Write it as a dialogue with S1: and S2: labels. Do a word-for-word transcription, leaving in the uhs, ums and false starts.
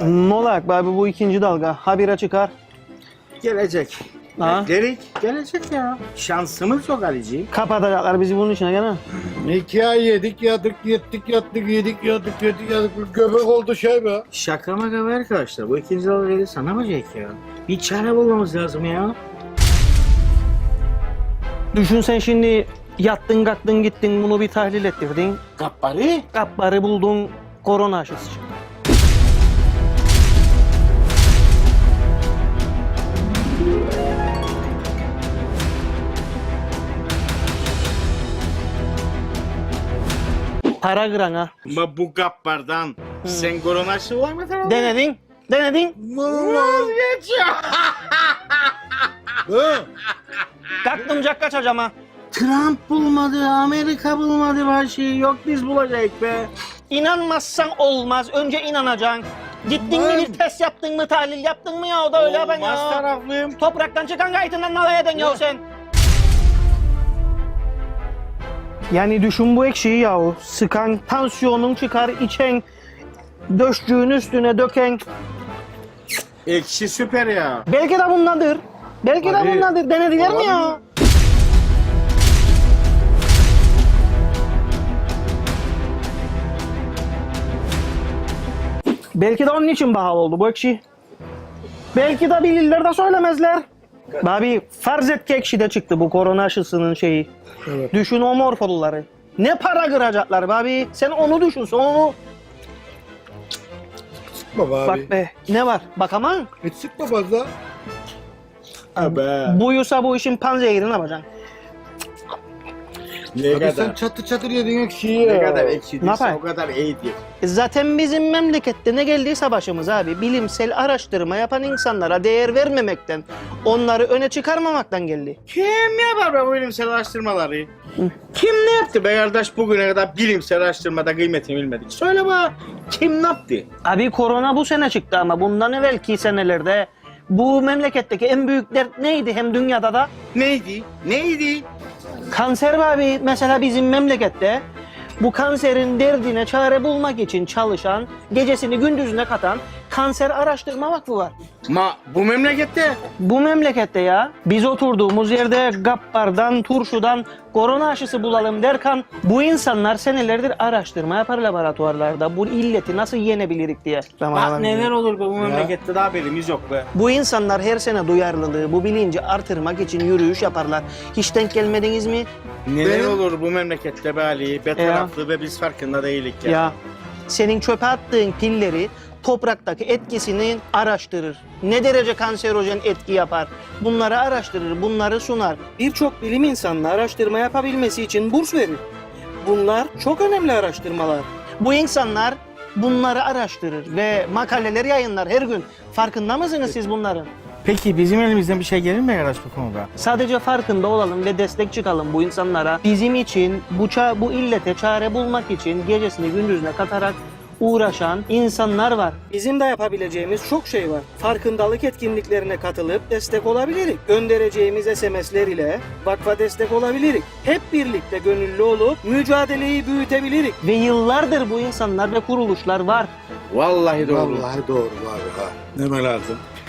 S1: Ne olacak abi bu ikinci dalga? Habire çıkar.
S2: Gelecek.
S1: Ha?
S2: Gerek gelecek ya. Şansımız yok Ali'ciğim.
S1: Kapatacaklar bizi bunun içine gene.
S3: İki ay yedik yadık yettik yattık yedik yadık yedik yadık. Göbek oldu şey be.
S2: Şaka maka be arkadaşlar. Bu ikinci dalga gelirse ne yapacak ya? Bir çare bulmamız lazım ya.
S1: Düşün sen şimdi yattın kalktın gittin bunu bir tahlil ettirdin.
S2: Gappari.
S1: Kapları buldun korona aşısı çıktı. Para kıran ha.
S2: Ama bu gappardan sen korona aşı olamadın mı?
S1: Denedin. Denedin.
S2: Vazgeç ya.
S3: He?
S1: Kalktım cak kaçacağım ha.
S2: Trump bulmadı, Amerika bulmadı her şeyi. Yok biz bulacak be.
S1: İnanmazsan olmaz. Önce inanacaksın. Gittin mi bir test yaptın mı, tahlil yaptın mı ya o da öyle yapan
S2: Olmaz
S1: ya.
S2: taraflıyım.
S1: Topraktan çıkan gayetinden nalay eden ya sen. Yani düşün bu ekşiyi yahu. Sıkan, tansiyonun çıkar, içen, döşcüğün üstüne döken.
S2: Ekşi süper ya.
S1: Belki de bundandır. Belki de
S3: Abi,
S1: bundandır. Denediler mi ya? Belki de onun için pahalı oldu bu ekşi. Belki de bilirler de söylemezler. Abi farz et ki ekşi de çıktı bu korona aşısının şeyi.
S3: Evet.
S1: Düşün o morfolları. Ne para kıracaklar be abi. Sen onu düşün sen onu.
S3: Sıkma be abi.
S1: Bak be ne var bak ama
S3: Hiç sıkma fazla.
S2: Abi.
S1: buyursa bu işin panzehirini yapacaksın.
S2: Ne
S3: Abi
S2: kadar?
S3: sen çatır çatır yedin ekşiyi
S2: Ne
S3: ya.
S2: kadar ekşi
S1: Ne
S2: değilse
S1: yapayım?
S2: o kadar iyidir.
S1: E Zaten bizim memlekette ne geldiyse başımız abi bilimsel araştırma yapan insanlara değer vermemekten, onları öne çıkarmamaktan geldi.
S2: Kim yapar be bu bilimsel araştırmaları? Kim ne yaptı be kardeş bugüne kadar bilimsel araştırmada kıymetini bilmedik? Söyle bana kim ne yaptı?
S1: Abi korona bu sene çıktı ama bundan evvelki senelerde bu memleketteki en büyük dert neydi hem dünyada da?
S2: Neydi? Neydi?
S1: Kanser be abi mesela bizim memlekette bu kanserin derdine çare bulmak için çalışan, gecesini gündüzüne katan Kanser Araştırma Vakfı var.
S2: Ma bu memlekette
S1: Bu memlekette ya biz oturduğumuz yerde gappardan, turşudan korona aşısı bulalım derken bu insanlar senelerdir araştırma yapar laboratuvarlarda bu illeti nasıl yenebilirik diye.
S2: bak neler olur be bu memlekette daha haberimiz yok be.
S1: Bu insanlar her sene duyarlılığı, bu bilinci artırmak için yürüyüş yaparlar. Hiç denk gelmediniz mi?
S2: Neler
S3: Benim-
S2: olur bu memlekette be Ali? Be taraflı ve biz farkında değilik ya.
S1: Ya senin çöpe attığın pilleri topraktaki etkisini araştırır. Ne derece kanserojen etki yapar? Bunları araştırır, bunları sunar. Birçok bilim insanı araştırma yapabilmesi için burs verir. Bunlar çok önemli araştırmalar. Bu insanlar bunları araştırır ve makaleler yayınlar her gün. Farkında mısınız siz bunların?
S2: Peki bizim elimizden bir şey gelir mi arkadaş bu konuda?
S1: Sadece farkında olalım ve destek çıkalım bu insanlara. Bizim için bu ça- bu illete çare bulmak için gecesini gündüzüne katarak uğraşan insanlar var. Bizim de yapabileceğimiz çok şey var. Farkındalık etkinliklerine katılıp destek olabiliriz. Göndereceğimiz S M S'ler ile vakfa destek olabiliriz. Hep birlikte gönüllü olup mücadeleyi büyütebiliriz. Ve yıllardır bu insanlar ve kuruluşlar var.
S2: Vallahi doğru.
S3: Vallahi doğru abi ha. Deme lazım.